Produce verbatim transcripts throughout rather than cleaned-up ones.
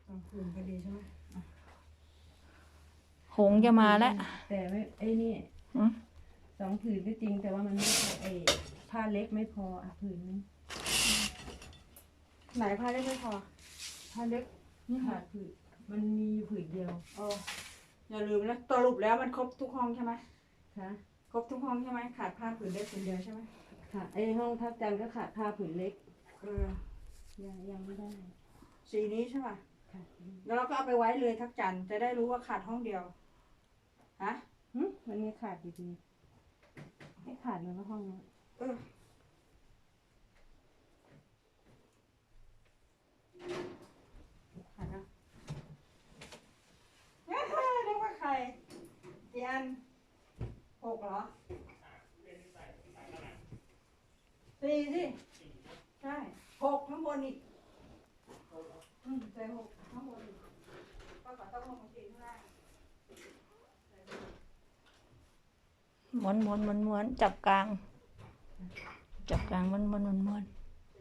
สองผืนก็ดีใช่ไหมหงส์จะมาแล้วแต่ไม่ไอ้นี่อืมสองผืนก็จริงแต่ว่ามันไม่พอไอ้ผ้าเล็กไม่พออ่ะผืนนึงไหนผ้าได้ไม่พอผ้าเล็กขาดผืนมันมีอยู่ผืนเดียวเอออย่าลืมนะสรุปแล้วมันครบทุกห้องใช่ไหมค่ะครบทุกห้องใช่ไหมขาดผ้าผืนเล็กผืนเดียวใช่ไหมค่ะไอ้ห้องทับจันทร์ก็ขาดผ้าผืนเล็กเออยังยังไม่ได้สีนี้ใช่ป่ะค่ะแล้วเราก็เอาไปไว้เลยทักจันทร์จะได้รู้ว่าขาดห้องเดียวฮะหึมันมีขาดอยู่ดีไม่ขาดเลยว่าห้องนี้เออขาดนะเฮ้ยเรียกว่าใครกี่อันหกเหรอสี่สิใช่หกข้างบนอีกอืมใส่หกข้างบนอีกก็ขอต้องลงมาสี่ข้างล่างม้วนม้วนม้วนม้วนจับกลาง จับกลางม้วนม้วนม้วนม้วน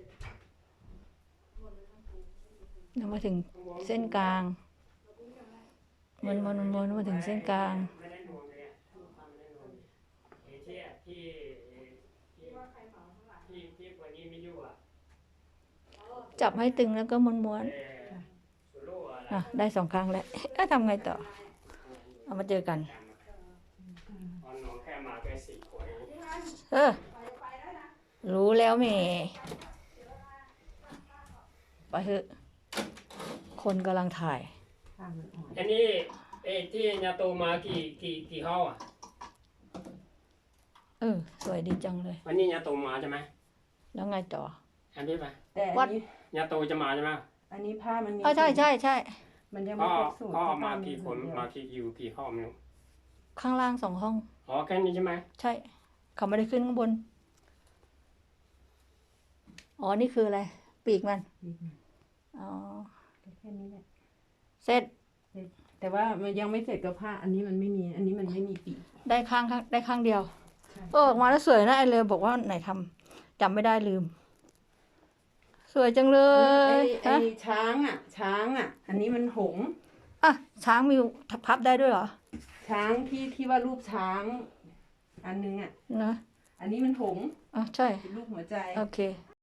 แล้วมาถึงเส้นกลางม้วนม้วนม้วนม้วนมาถึงเส้นกลางไม่ได้นวมเลยอ่ะความไม่ได้นวมเอเชียที่ที่ที่ที่วันนี้ไม่อยู่อ่ะจับให้ตึงแล้วก็ม้วนม้วนเออสุโร่อะไรอ่ะได้สองครั้งแล้วเอ๊ะทำไงต่อ เอามาเจอกันตอนน้องแค่มาแค่สี่คนเองเออ รู้แล้วแหม่ไปเถอะคนกำลังถ่ายผ้ามันอ่อนอันนี้เอ้ที่ยาโตมากี่กี่กี่ห้องอ่ะเออ สวยดีจังเลยวันนี้ยาโตมาใช่ไหมแล้วไงต่ออันนี้ไปแต่วัอัดนนี้ยาโตจะมาใช่ไหมอันนี้ผ้ามันมีเออใช่ใช่ใช่มันยังก็ไม่ครบสูตรก็ผ้มาผืกี่คนเดียวมากี่อยู่กี่ห้องไม่รู้ข้างล่างสองห้องอ๋อแค่นี้ใช่ไหมใช่ เขาไม่ได้ขึ้นข้างบน อ๋อ นี่คืออะไร ปีกมันอีกหน่อยอ๋อแค่นี้แหละเสร็จแต่ว่ามันยังไม่เสร็จกับผ้า อันนี้มันไม่มี อันนี้มันไม่มีปีกได้ข้างข้างได้ข้างเดียวใช่เออออกมาแล้วสวยนะไอเลยบอกว่าไหนทำจำไม่ได้ลืม สวยจังเลไอ้ยไอ้ฮะช้างอ่ะ ช้างอ่ะ อันนี้มันหงส์อ่ะช้างมีพับได้ด้วยเหรอช้างที่ที่ว่ารูปช้าง อันนึงอ่ะนะอันนี้มันหงส์อ่ะใช่เป็นรูปหัวใจโอเค